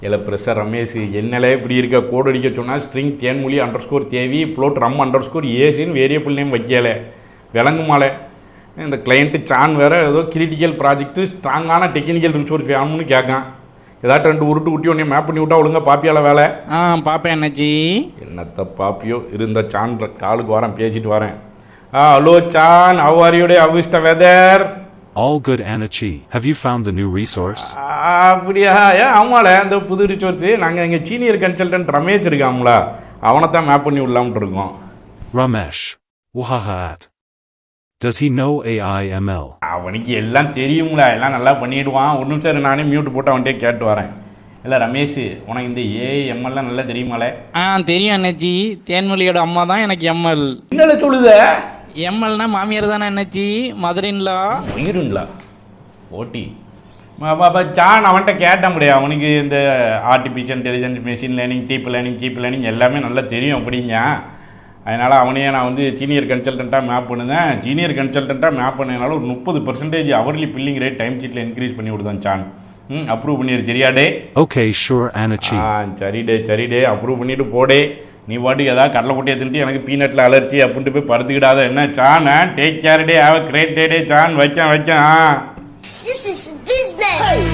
இல்லை ப்ரெஷர் ரமேஷ் என்னலே இப்படி இருக்க கோடு அடிக்க சொன்னால் ஸ்ட்ரிங் தேன்மொழி _ தேவி ப்ளோட் ரம் _ ஏசின்னு வேரியபிள் நேம் வைக்கலை விளங்குமாலே. இந்த கிளைண்ட்டு சான் வேறு ஏதோ கிரிட்டிக்கல் ப்ராஜெக்ட்டு ஸ்ட்ராங்கான டெக்னிக்கல் ரிசோர்ஸ் வேணும்னு கேட்கான். ஏதாட்டும் 2 உருட்டு குட்டி ஒன்றே மேப் பண்ணி விட்டா ஒழுங்கா பாப்பியால வேலை. பாப்பேன் அண்ணாச்சி. என்னத்த பாப்பியோ இருந்த சான் காலுக்கு வரேன் பேசிட்டு வரேன். Hello Sean, how are you today? How is the weather? All good, Anachi. Have you found the new resource? அப்படியா? ஆமால, அந்த புது ரிசோர்ஸ் நாங்கள் எங்கள் சீனியர் கன்சல்டன்ட் ரமேஷ் இருக்காங்களா, அவனை தான் மேப் பண்ணி விடலாம்னு இருக்கோம். Ramesh. Wahahat. Does he know AI ML? அவனுக்கு எல்லாம் தெரியுங்களா, எல்லாம் நல்லா பண்ணிடுவான். ஒரு நிமிஷம் நானே மியூட் போட்டு அவன்கிட்டே கேட்டு வரேன். இல்லை ரமேஷ், உனக்கு இந்த AI MLலாம் நல்லா தெரியுமாலே? தெரியும் அண்ணாச்சி. தேன்மொழியோட அம்மா தான் எனக்கு எம்எல். என்னடா சொல்லுத? எம்எல்னா மாமியார் தானே அண்ணாச்சி, மதுரின்லா. மயிருங்களா? ஓட்டி சான் அவன்கிட்ட கேட்ட முடியாது. அவனுக்கு இந்த artificial intelligence, machine learning, deep learning எல்லாமே நல்லா தெரியும் அப்படிங்க. அதனால் அவனையே நான் வந்து சீனியர் கன்சல்டண்ட்டாக மேப் பண்ணுதேன். சீனியர் கன்சல்டண்ட்டாக மேப் பண்ணதுனால ஒரு 30% அவர்லி பில்லிங் ரேட் டைம் ஷீட்டில் இன்க்ரீஸ் பண்ணி விடுதான் சான். அப்ரூவ் பண்ணிடு சரியாடே? Okay, sure, Anachi. சரிடே அப்ரூவ் பண்ணிட்டு போடே. நீ பாட்டுக்கு ஏதாவது கடலை குட்டியை தின்ட்டு எனக்கு பீனட்டில் அலர்ஜி அப்படின்ட்டு போய் படுத்துக்கிடாத என்ன சான். டேக் கேர் டே, have a great day Sean. வைக்கேன். This is business.